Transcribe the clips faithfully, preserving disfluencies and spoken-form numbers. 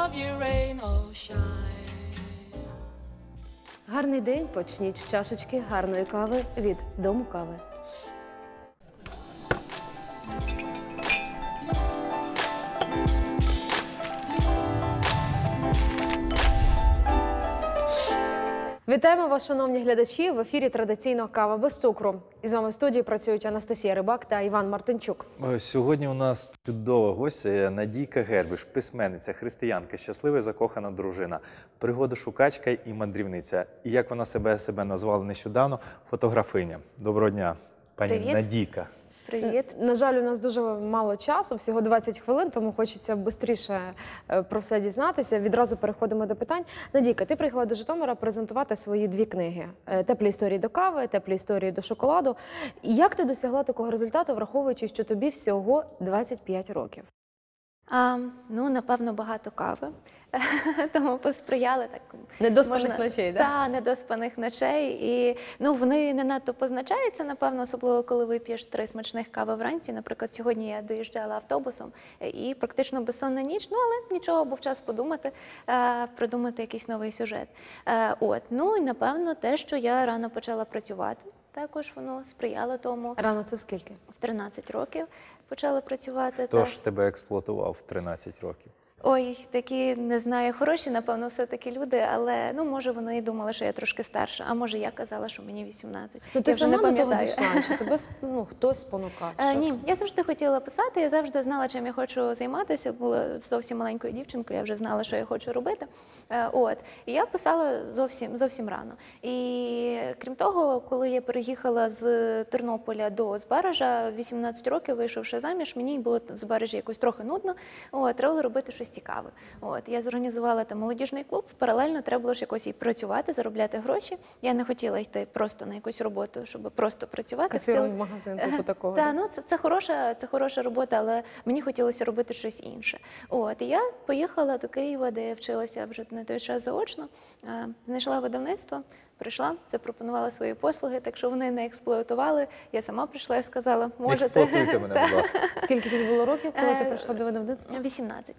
of you, rain or shine. Гарний день почніть з чашечки гарної кави від Дому кави. Вітаємо вас, шановні глядачі! В ефірі традиційно «Кава без цукру». І з вами в студії працюють Анастасія Рибак та Іван Мартинчук. Сьогодні у нас чудова гостя Надійка Гербиш, письменниця, християнка, щаслива і закохана дружина, пригодошукачка і мандрівниця. І як вона себе себе назвала нещодавно, фотографиня. Доброго дня, пані Привіт. Надійка. Привіт. На жаль, у нас дуже мало часу, всього двадцять хвилин, тому хочеться швидше про все дізнатися. Відразу переходимо до питань. Надійка, ти приїхала до Житомира презентувати свої дві книги «Теплі історії до кави», «Теплі історії до шоколаду». Як ти досягла такого результату, враховуючи, що тобі всього двадцять п'ять років? А, ну, напевно, багато кави, тому посприяли так. Недоспаних можна... ночей, так? Так, недоспаних ночей. І ну, вони не надто позначаються, напевно, особливо, коли вип'єш три смачних кави вранці. Наприклад, сьогодні я доїжджала автобусом і практично безсонна ніч, ну, але нічого, був час подумати, придумати якийсь новий сюжет. От, ну, і, напевно, те, що я рано почала працювати. Також воно сприяло тому. Рано це в скільки? В тринадцять років почала працювати. Хто так. ж тебе експлуатував в тринадцять років? Ой, такі, не знаю, хороші, напевно, все-таки люди, але, ну, може, вони і думали, що я трошки старша, а може, я казала, що мені вісімнадцять. Ну, ти я вже сама не до того пам'ятаю. дійшла, чи тебе ну, хтось спонукав? Е, Що ні, я завжди хотіла писати, я завжди знала, чим я хочу займатися. Була зовсім маленькою дівчинкою, я вже знала, що я хочу робити. Е, от. І я писала зовсім, зовсім рано. І крім того, коли я переїхала з Тернополя до Збаража, вісімнадцять років, вийшовши заміж, мені було в Збаражі якось трохи нудно, от, треба було робити щось цікаве. От, я зорганізувала там молодіжний клуб, паралельно треба було ж якось і працювати, заробляти гроші. Я не хотіла йти просто на якусь роботу, щоб просто працювати. Касиром в магазин, типу такого? Так, ну це, це, хороша, це хороша робота, але мені хотілося робити щось інше. От, і я поїхала до Києва, де я вчилася вже на той час заочно, знайшла видавництво, прийшла, запропонувала свої послуги, так що вони не експлуатували. Я сама прийшла і сказала, можете. Експлуатуйте мене, будь ласка. Скільки тобі було років, коли ти прийшла до видавництва? вісімнадцять.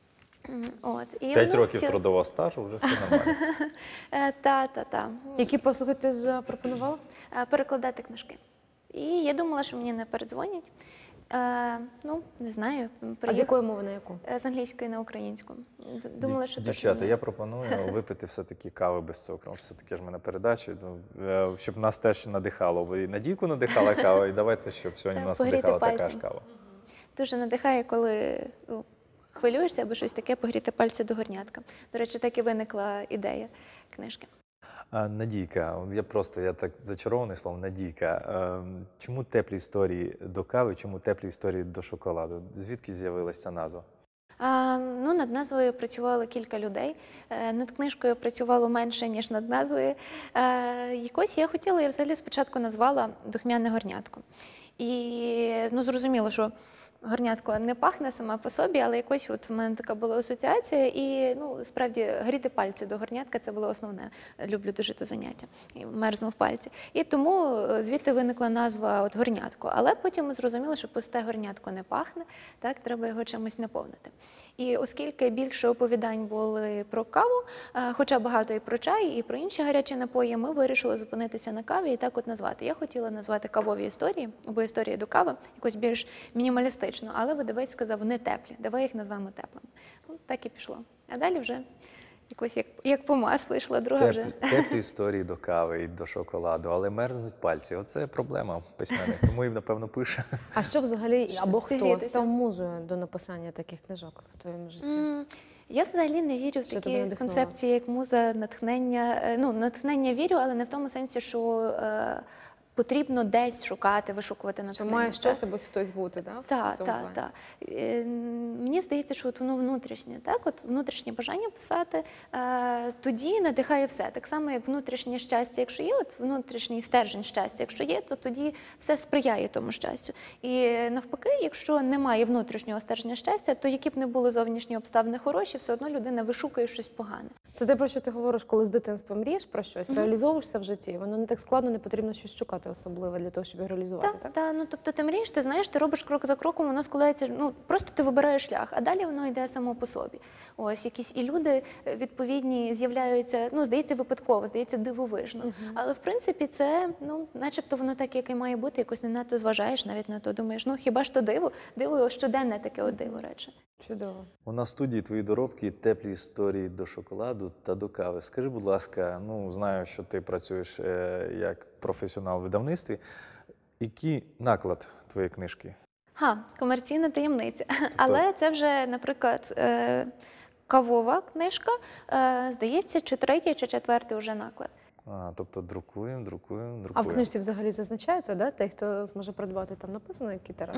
От. І П'ять воно років всі- трудового стажу, вже все нормально. Е, Та, та, та. Які послуги ти запропонувала? Е, Перекладати книжки. І я думала, що мені не передзвонять. Е, ну, не знаю. А з приїх- якої мови на яку? Е, З англійської на українську. Д- Думала, що точно Дівчата, ні. я пропоную випити все-таки кави без цукру. Все-таки ж в мене передача, ну, е, щоб нас теж надихало. Ви і Надійку надихала кава, і давайте, щоб сьогодні Так, нас погріти надихала така пальці. ж кава. Дуже надихає, коли ну, хвилюєшся або щось таке, погріти пальці до горнятка. До речі, так і виникла ідея книжки. А, Надійка, я просто, я так зачарований словом, Надійка. Ем, Чому теплі історії до кави, чому теплі історії до шоколаду? Звідки з'явилася ця назва? А, ну, над назвою працювало кілька людей. Е, Над книжкою працювало менше, ніж над назвою. Е, Якось я хотіла, я взагалі спочатку назвала «Духмяне горнятко». І ну, зрозуміло, що горнятко не пахне сама по собі, але якось от в мене така була асоціація. І ну, справді гріти пальці до горнятка – це було основне. Люблю дуже то заняття. І мерзнув пальці. І тому звідти виникла назва от горнятко. Але потім ми зрозуміли, що пусте горнятко не пахне, так, треба його чимось наповнити. І оскільки більше оповідань були про каву, хоча багато і про чай, і про інші гарячі напої, ми вирішили зупинитися на каві і так от назвати. Я хотіла назвати кавові історії, або історії до кави, якось більш мінімалістично, але видавець сказав, не теплі, давай їх назвемо теплими. Ну, так і пішло. А далі вже якось як, як по маслу йшла друга вже. Теплі, теплі історії до кави і до шоколаду, але мерзнуть пальці. Оце проблема письменник, тому і, напевно, пише. А що взагалі, або хто Зігрітися. став музою до написання таких книжок в твоєму житті? М, Я взагалі не вірю в Що тебе такі надихнуло? концепції, як муза, натхнення. Е, Ну, натхнення вірю, але не в тому сенсі, що е, потрібно десь шукати, вишукувати Що натхнення. має так? щось або хтось бути, да, в Так, цьому так, плані? так. Е, Мені здається, що от воно внутрішнє, так, от внутрішнє бажання писати, е, тоді надихає все. Так само, як внутрішнє щастя, якщо є, от внутрішній стержень щастя, якщо є, то тоді все сприяє тому щастю. І навпаки, якщо немає внутрішнього стержня щастя, то які б не були зовнішні обставини хороші, все одно людина вишукує щось погане. Це те, про що ти говориш, коли з дитинства мрієш про щось, реалізовуєшся в житті, воно не так складно, не потрібно щось шукати планувати особливо для того, щоб його реалізувати, Так, так? так, ну тобто ти мрієш, ти знаєш, ти робиш крок за кроком, воно складається, ну просто ти вибираєш шлях, а далі воно йде само по собі. Ось якісь і люди е, відповідні з'являються, ну здається, випадково, здається, дивовижно. Але в принципі це, ну, начебто воно так, як і має бути, якось не надто зважаєш навіть на то. Думаєш, ну хіба ж то диво? Диво щоденне таке от диво рече. Чудово. У нас в студії твої доробки, теплі історії до шоколаду та до кави. Скажи, будь ласка, ну знаю, що ти працюєш е, як професіонал в видавництві. Який наклад твоєї книжки? Ха, комерційна таємниця. Але це вже, наприклад, е, кавова книжка, е, здається, чи третій, чи четвертий вже наклад. А, тобто друкуємо, друкуємо, друкуємо. А в книжці взагалі зазначається, да? Той, хто зможе придбати, там написано, який тираж?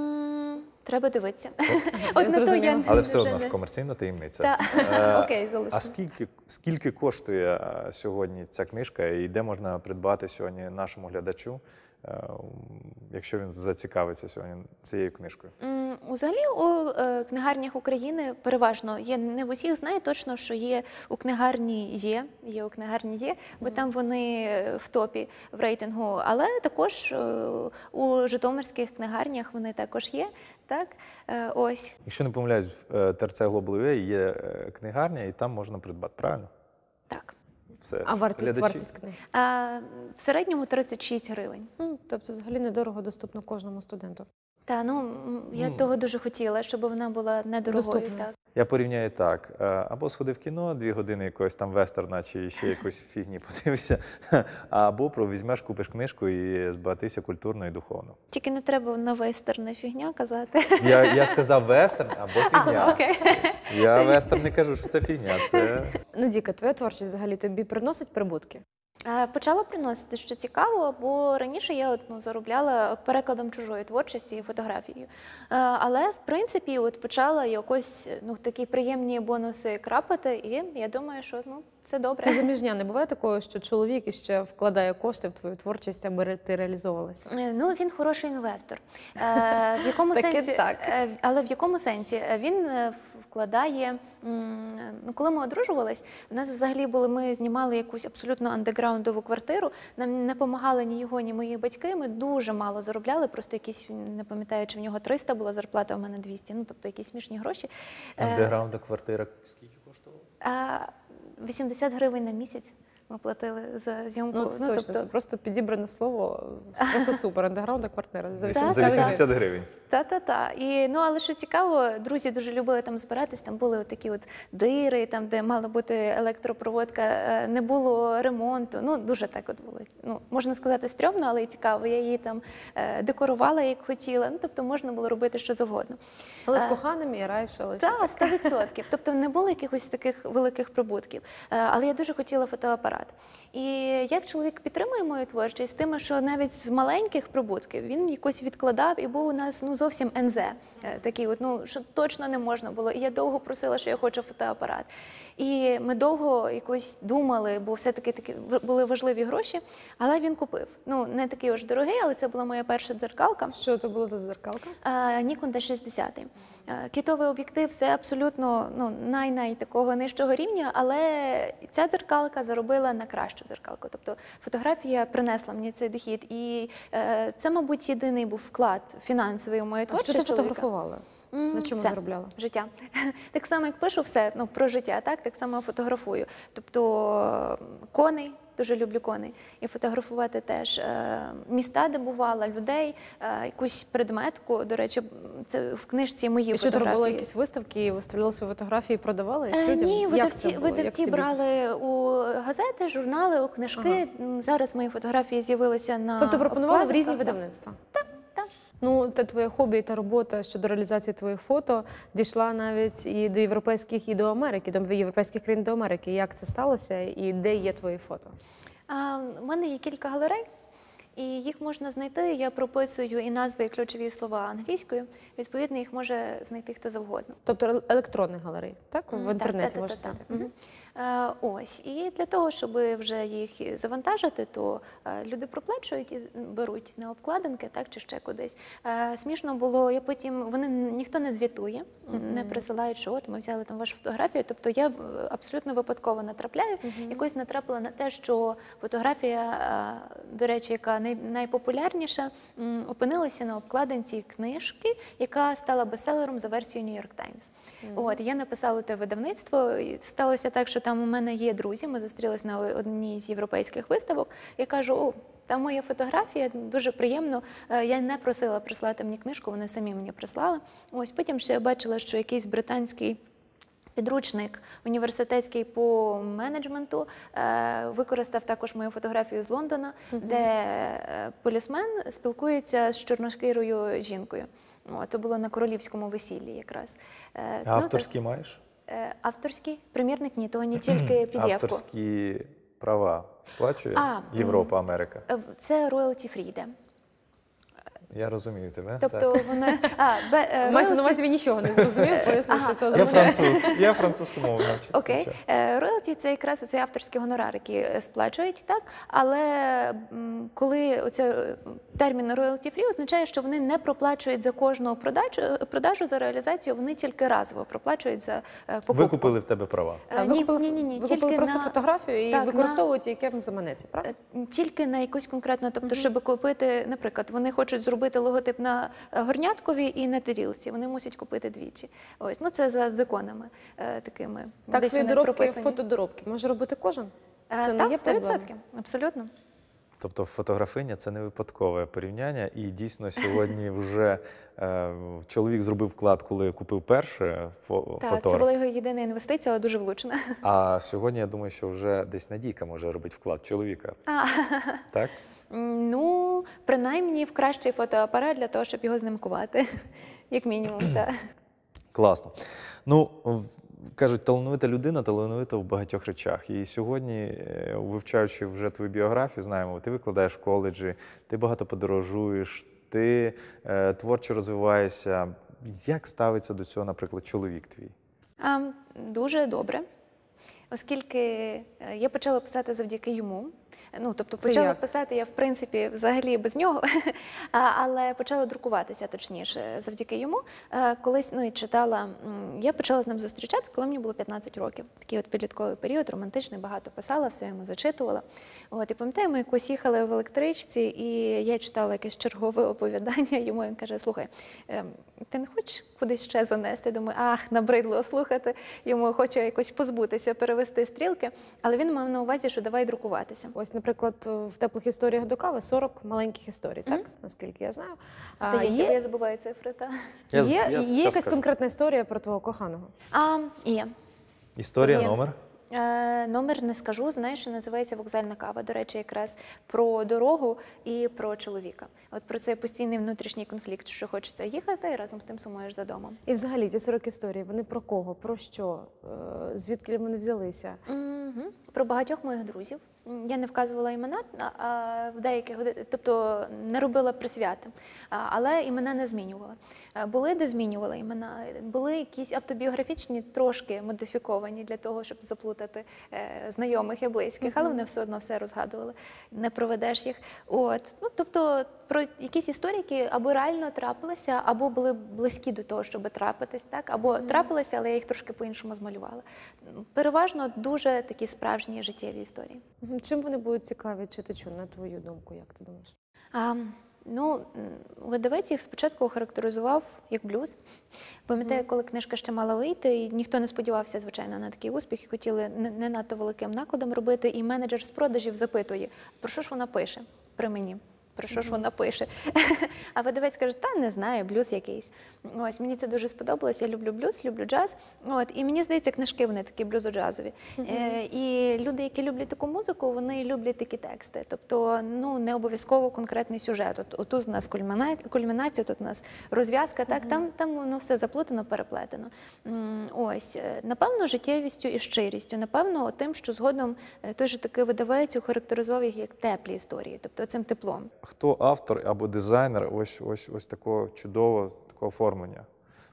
М, Треба дивитися. я От на то зрозуміла. я Але все вже одно ж не- комерційна таємниця. Так. Е, Окей, залишимо. А скільки, скільки коштує е, сьогодні ця книжка і де можна придбати сьогодні нашому глядачу, е, якщо він зацікавиться сьогодні цією книжкою? М, Взагалі у е, книгарнях України переважно є, не в усіх знаю точно, що є у книгарні є, є у книгарні є, бо там вони е, в топі в рейтингу, але також е, у житомирських книгарнях вони також є. Так, Е, ось. Якщо не помиляюсь, в е, ТРЦ Global ю а є е, книгарня, і там можна придбати, правильно? Так. Все. А вартість, Глядачі- вартість книги? А, в середньому тридцять шість гривень. М, Тобто взагалі недорого доступно кожному студенту. Та ну м, я Ну, того дуже хотіла, щоб вона була недорогою. доступною. Так. Я порівняю так: е, або сходи в кіно, дві години якогось там вестерна чи ще якоїсь фігні подивишся, або про візьмеш, купиш книжку і збагатися культурно і духовно. Тільки не треба на вестерне фігня казати. Я, я сказав вестерн або фігня. А, окей. Я вестерн не кажу, що це фігня. Це Надіка, твоя творчість взагалі тобі приносить прибутки? Е, Почала приносити, що цікаво, бо раніше я от, ну, заробляла перекладом чужої творчості і фотографією. Е, Але, в принципі, от почала якось ну, такі приємні бонуси крапати, і я думаю, що ну, це Ти добре. заміжня, не буває такого, що чоловік іще вкладає кошти в твою творчість, аби ре- ти реалізовувалася? Е, Ну, він хороший інвестор. Е, В якому Таки сенсі? так. Е, Але в якому сенсі? Е, Він е, вкладає, м, ну, коли ми одружувались, у нас взагалі були, ми знімали якусь абсолютно андеграундову квартиру, нам не допомагали ні його, ні мої батьки, ми дуже мало заробляли, просто якісь, не пам'ятаю, чи в нього триста була зарплата, а в мене двісті, ну, тобто якісь смішні гроші. Е, андеграунда квартира. Скільки коштувала? а вісімдесят гривень на місяць ми платили за зйомку. Ну, це точно, це просто підібране слово, просто супер, андеграунда квартира. За Так, За так, вісімдесят гривень. Та-та-та. І, ну, але що цікаво, друзі дуже любили там збиратись, там були такі от дири, там, де мала бути електропроводка, е, не було ремонту. Ну, дуже так от було. Ну, можна сказати, стрьомно, але і цікаво. Я її там е, декорувала, як хотіла. Ну, тобто можна було робити що завгодно. Але з Е, коханим і раєш, але Так, сто відсотків. Тобто не було якихось таких великих прибутків. Е, Але я дуже хотіла фотоапарат. І як чоловік підтримує мою творчість, тим, що навіть з маленьких прибутків він якось відкладав, і був у нас ну зовсім ен зет, е, такий, от, ну що точно не можна було. І я довго просила, що я хочу фотоапарат. І ми довго якось думали, бо все-таки такі в- були важливі гроші, але він купив. Ну, не такий уж дорогий, але це була моя перша дзеркалка. що це було за дзеркалка? Е, Нікон ді шістдесят. Е, Кітовий об'єктив, все абсолютно ну, най-най такого нижчого рівня, але ця дзеркалка заробила на кращу дзеркалку. Тобто фотографія принесла мені цей дохід. І е, це, мабуть, єдиний був вклад фінансовий у мою А що творчість. ти чоловіка. фотографувала? М, На чому все. заробляла? Життя. Так само, як пишу все ну, про життя, так, так само фотографую. Тобто е, коней, дуже люблю коней, і фотографувати теж е, міста, де бувала, людей, е, якусь предметку. До речі, це в книжці мої І що ти фотографії. робила якісь виставки, і виставляла свої фотографії, і продавала їх Е, людям? Ні, Як видавці, це було? Як видавці цей бізнес? брали у газети, журнали, у книжки. М, Зараз мої фотографії з'явилися на Тобто пропонували в різні обкладинках, видавництва? Так, так. Ну, та твоє хобі та робота щодо реалізації твоїх фото дійшла навіть і до європейських, і до Америки, до європейських країн до Америки. Як це сталося і де є твої фото? А, у мене є кілька галерей, і їх можна знайти. Я прописую і назви, і ключові слова англійською. Відповідно, їх може знайти хто завгодно. Тобто електронних галерей, так? В М, інтернеті так, можна так, так, знайти. так. Мгм. Е, Ось, і для того, щоб вже їх завантажити, то е, люди проплачують і беруть на обкладинки, так, чи ще кудись. Е, Смішно було, я потім, вони ніхто не звітує, не присилають, що от ми взяли там вашу фотографію, тобто я в- абсолютно випадково натрапляю, якось натрапила на те, що фотографія, е, до речі, яка най, найпопулярніша, м, опинилася на обкладинці книжки, яка стала бестселером за версією New York Times. От, я написала те видавництво, і сталося так, що там у мене є друзі, ми зустрілись на одній з європейських виставок, я кажу, о, там моя фотографія, дуже приємно. Е, Я не просила прислати мені книжку, вони самі мені прислали. Ось потім ще я бачила, що якийсь британський підручник університетський по менеджменту е, використав також мою фотографію з Лондона, де е, полісмен спілкується з чорношкірою жінкою. О, то було на королівському весіллі якраз. Е, ну, так, Авторські маєш? е, авторський примірник ні, то не тільки пі ді еф-ку. Авторські права сплачує А, Європа, Америка? Е, Це royalty free йде. Я розумію тебе. Тобто так. воно... А, бе, е, Мається на royalty- увазі, він нічого не зрозумів, пояснив, що це Я означає. француз, я французьку мову навчив. Окей. Е, Роялті – це якраз оцей авторський гонорар, який е, сплачують, так? Але м, коли оце е, термін royalty free означає, що вони не проплачують за кожну продажу, продажу за реалізацію, вони тільки разово проплачують за е, покупку. Ви купили в тебе права. Е, Ви Ні, купили, ні, ні, ні. ви Тільки купили просто на... фотографію і Так, на- використовують, яким заманеться, правда? Е, Тільки на якусь конкретну, тобто, щоб купити, наприклад, вони хочуть зробити логотип на е, горняткові і на тарілці, вони мусять купити двічі. Ось, ну це за законами е, такими. Так, десь свої вони доробки, прописані. фотодоробки може робити кожен? Е, Це не так, є сто проблемою? відсотків, абсолютно. Тобто фотографиня це не випадкове порівняння, і дійсно сьогодні вже е, чоловік зробив вклад, коли купив перше фо- Так, це фотор. була його єдина інвестиція, але дуже влучна. А сьогодні я думаю, що вже десь Надійка може робити вклад чоловіка. А, Так? м, ну, принаймні в кращий фотоапарат для того, щоб його знімкувати, як мінімум. Так. Класно. Ну, в- кажуть, талановита людина, талановита в багатьох речах. І сьогодні, е, вивчаючи вже твою біографію, знаємо, ти викладаєш в коледжі, ти багато подорожуєш, ти е, творчо розвиваєшся. Як ставиться до цього, наприклад, чоловік твій? А, дуже добре, оскільки е, я почала писати завдяки йому. Ну, тобто Це почала як? писати я, в принципі, взагалі без нього, а, але почала друкуватися, точніше, завдяки йому. Е, Колись, ну, і читала, м, я почала з ним зустрічатися, коли мені було п'ятнадцять років. Такий от підлітковий період, романтичний, багато писала, все йому зачитувала. От, і пам'ятаю, ми якось їхали в електричці, і я читала якесь чергове оповідання йому, він каже, слухай, ем, ти не хочеш кудись ще занести? Думаю, ах, набридло слухати, йому хоче якось позбутися, перевести стрілки, але він мав на увазі, що давай друкуватися. Ось, наприклад, в теплих історіях до кави сорок маленьких історій, так? Наскільки я знаю. А, Здається, бо є я забуваю цифри. Та. Я з- є, я є щас якась скажу. конкретна історія про твого коханого? А, є. Історія, Є. номер? Е, номер не скажу, знаю, що називається «Вокзальна кава». До речі, якраз про дорогу і про чоловіка. От про цей постійний внутрішній конфлікт, що хочеться їхати, і разом з тим сумуєш за домом. І взагалі ці сорок історій, вони про кого, про що, Е, звідки вони взялися? Угу. Про багатьох моїх друзів. М, Я не вказувала імена, а- а в деяких, тобто не робила присвяти, а, але імена не змінювала. Е, Були, де змінювала імена, були якісь автобіографічні, трошки модифіковані для того, щоб заплутати е, знайомих і близьких, але вони все одно все розгадували, не проведеш їх. От. Ну, тобто про якісь історії, які або реально трапилися, або були близькі до того, щоб трапитись, так? Або трапилися, але я їх трошки по-іншому змалювала. Переважно дуже такі справжні життєві історії. Мгм. Чим вони будуть цікаві читачу, на твою думку, як ти думаєш? А, ну, м, видавець їх спочатку охарактеризував як блюз. Пам'ятаю, коли книжка ще мала вийти, і ніхто не сподівався, звичайно, на такий успіх, і хотіли не, не надто великим накладом робити, і менеджер з продажів запитує, про що ж вона пише при мені? Про що ж вона пише? А видавець каже, та не знаю, блюз якийсь. Ось, мені це дуже сподобалось, я люблю блюз, люблю джаз. От, і мені здається, книжки вони такі блюзо-джазові. Е, і люди, які люблять таку музику, вони люблять такі тексти. Тобто, ну, не обов'язково конкретний сюжет. От, отут у нас кульміна- кульмінація, тут у нас розв'язка, так? Там, там воно все заплутано, переплетено. М, Ось, е, напевно, життєвістю і щирістю, напевно, тим, що згодом е, той же такий видавець охарактеризував їх як теплі історії, тобто цим теплом. Хто автор або дизайнер ось, ось, ось такого чудового такого оформлення?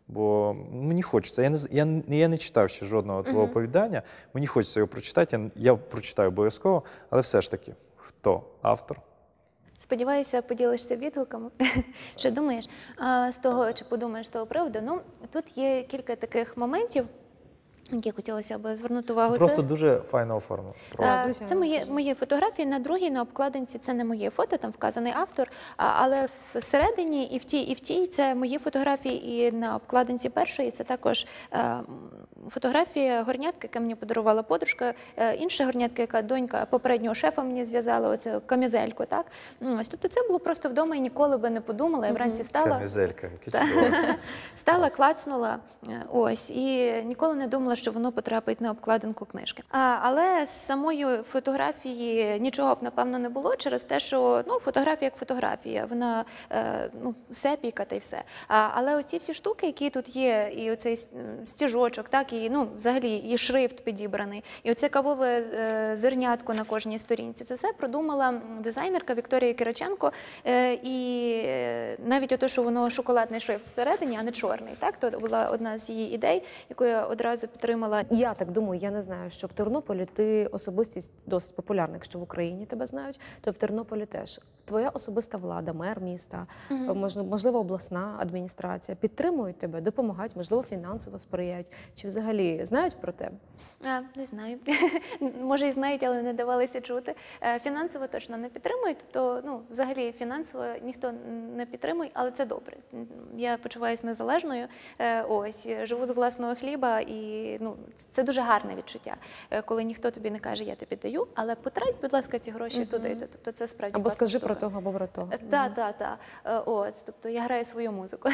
Бо мені хочеться. Я не, з- я, не- я не читав ще жодного твого Мгм. оповідання, мені хочеться його прочитати, я, я прочитаю обов'язково, але все ж таки, хто автор? Сподіваюся, поділишся відгуками. Що думаєш а, з того, чи подумаєш з того приводу? Ну, тут є кілька таких моментів, які хотілося б звернути увагу. Просто Це- дуже файно оформлено. Просто. Е, звичайно, Це мої, дуже. мої фотографії. На другій, на обкладинці, це не моє фото, там вказаний автор. а- Але всередині і в тій, і в тій це мої фотографії. І на обкладинці першої це також е, м, фотографія горнятки, яка мені подарувала подружка. Е, інша горнятка, яка донька попереднього шефа мені зв'язала, оцю камізельку. Так? М, Ось, тобто це було просто вдома і ніколи би не подумала. Я вранці стала. Камізелька, яке Та. чудово. Стала, клацнула, е, ось, і ніколи не думала, що воно потрапить на обкладинку книжки. А, але з самої фотографії нічого б, напевно, не було через те, що ну, фотографія як фотографія, вона е, ну, сепійка та й все. А, але оці всі штуки, які тут є, і оцей с- м, стіжочок, так, і ну, взагалі і шрифт підібраний, і оце кавове е, зернятко на кожній сторінці, це все продумала м, дизайнерка Вікторія Кириченко. Е, і е, навіть ото, що воно шоколадний шрифт всередині, а не чорний. Так? То була одна з її ідей, яку я одразу підтримала. Я так думаю, я не знаю, що в Тернополі ти особистість досить популярна. Якщо в Україні тебе знають, то в Тернополі теж. Твоя особиста влада, мер міста, можливо, можливо, обласна адміністрація підтримують тебе, допомагають, можливо, фінансово сприяють. Чи взагалі знають про тебе? А, не знаю. Може, і знають, але не давалися чути. Е, Фінансово точно не підтримують. Тобто, ну, взагалі, фінансово ніхто не підтримує, але це добре. Я почуваюся незалежною. Е, Ось, живу з власного хліба, і ну, це дуже гарне відчуття, е, коли ніхто тобі не каже, я тобі даю, але потрать, будь ласка, ці гроші туди. Тобто, це справді Або класна скажи штука. про того, або про того. Так, так, так. Ось, тобто я граю свою музику.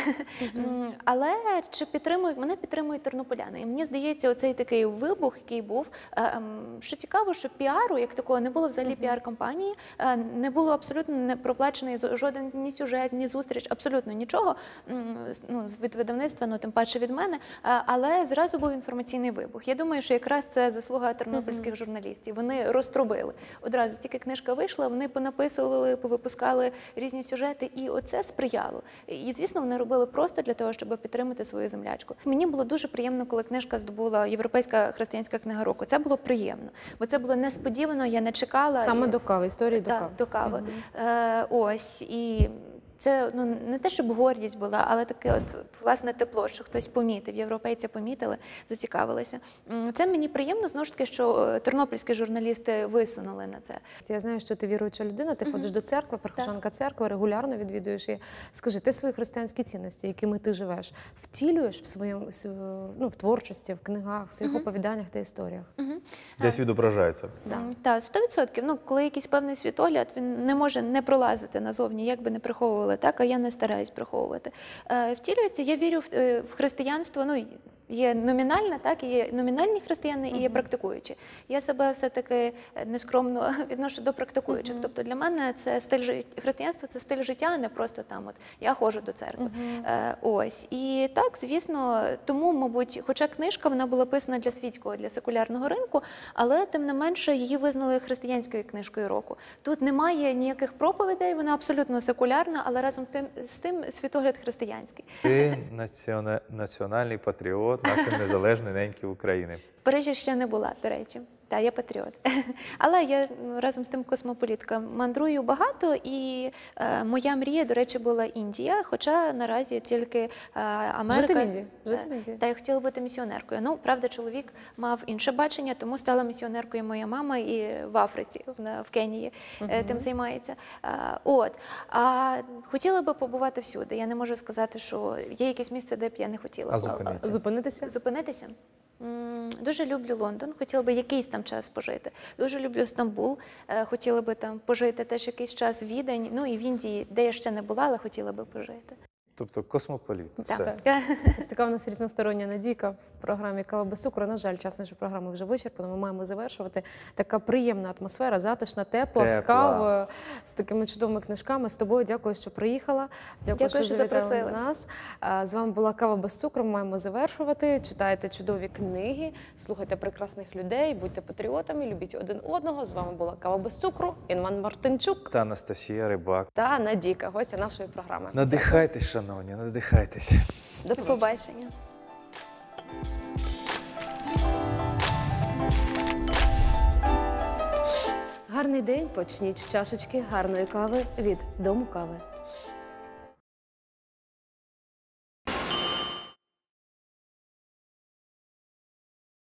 М, Але чи підтримують? Мене підтримують тернополяни. І мені здається, оцей такий вибух, який був, е, ем, що цікаво, що піару, як такого, не було взагалі піар-кампанії, е, не було абсолютно не проплачений з- жоден ні сюжет, ні зустріч, абсолютно нічого, м, з- ну, з- від видавництва, ну, тим паче від мене, Е, але зразу був інформаційний вибух. Я думаю, що якраз це заслуга тернопільських журналістів. Вони розтрубили. Одразу тільки книжка вийшла, вони понаписували, повипускали різні сюжети, і оце сприяло. І, звісно, вони робили просто для того, щоб підтримати свою землячку. Мені було дуже приємно, коли книжка здобула Європейська християнська книга року. Це було приємно, бо це було несподівано, я не чекала. Саме І- до кави, історії до Так, кави. до кави. Е, ось, і це ну, не те, щоб гордість була, але таке от, от, власне тепло, що хтось помітив, європейці помітили, зацікавилися. М, Це мені приємно, знову ж таки, що е, тернопільські журналісти висунули на це. Я знаю, що ти віруюча людина, ти ходиш до церкви, прихожанка церкви, регулярно відвідуєш її. Скажи, ти свої християнські цінності, якими ти живеш, втілюєш в своєму св- ну, в творчості, в книгах, в своїх оповіданнях та історіях? Десь відображається. Да. М, Так, сто відсотків. Ну, коли якийсь певний світогляд, він не може не пролазити назовні, як би не приховували, так, а я не стараюсь приховувати. Е, втілюється, я вірю в, е, в християнство, ну, є номінальне, так, і є номінальні християни, і є практикуючі. Я себе все-таки е, нескромно відношу до практикуючих. Тобто для мене це стиль жи- християнство це стиль життя, а не просто там от я ходжу до церкви. Е, ось. І так, звісно, тому, мабуть, хоча книжка вона була писана для світського, для секулярного ринку, але тим не менше її визнали християнською книжкою року. Тут немає ніяких проповідей, вона абсолютно секулярна, але разом тим, з тим світогляд християнський. Ти націона- національний патріот нашої незалежної неньки України. В Парижі ще не була, до речі. Та, я патріот. Але я ну, разом з тим космополітка мандрую багато, і е, моя мрія, до речі, була Індія, хоча наразі тільки е, Америка. Жити в Індії, жити в Е, Індії. Та я хотіла бути місіонеркою. Ну, правда, чоловік мав інше бачення, тому стала місіонеркою моя мама і в Африці, вона в Кенії е, тим займається. Е, От. А хотіла би побувати всюди. Я не можу сказати, що є якесь місце, де б я не хотіла А побувати. зупинитися? Зупинитися? Зупинитися? М, Дуже люблю Лондон, хотіла би якийсь там час пожити. Дуже люблю Стамбул, е, хотіла би там пожити теж якийсь час, Відень, ну і в Індії, де я ще не була, але хотіла би пожити. Тобто космополіт. Все. Так. Ось така у нас різностороння Надійка в програмі «Кава без цукру». На жаль, час нашої програми вже вичерпано. Ми маємо завершувати. Така приємна атмосфера, затишна, тепла, з Тепла. кавою, з такими чудовими книжками. З тобою дякую, що приїхала. Дякую, Дякую, що що завітала запросили. на нас. А, З вами була «Кава без цукру». Ми маємо завершувати. Читайте чудові книги, слухайте прекрасних людей, будьте патріотами, любіть один одного. З вами була «Кава без цукру», Інман Мартинчук Та Анастасія Рибак. та Надійка, гостя нашої програми. Надихайтесь, шановні, надихайтесь. До До побачення. побачення. Гарний день почніть з чашечки гарної кави від Дому кави.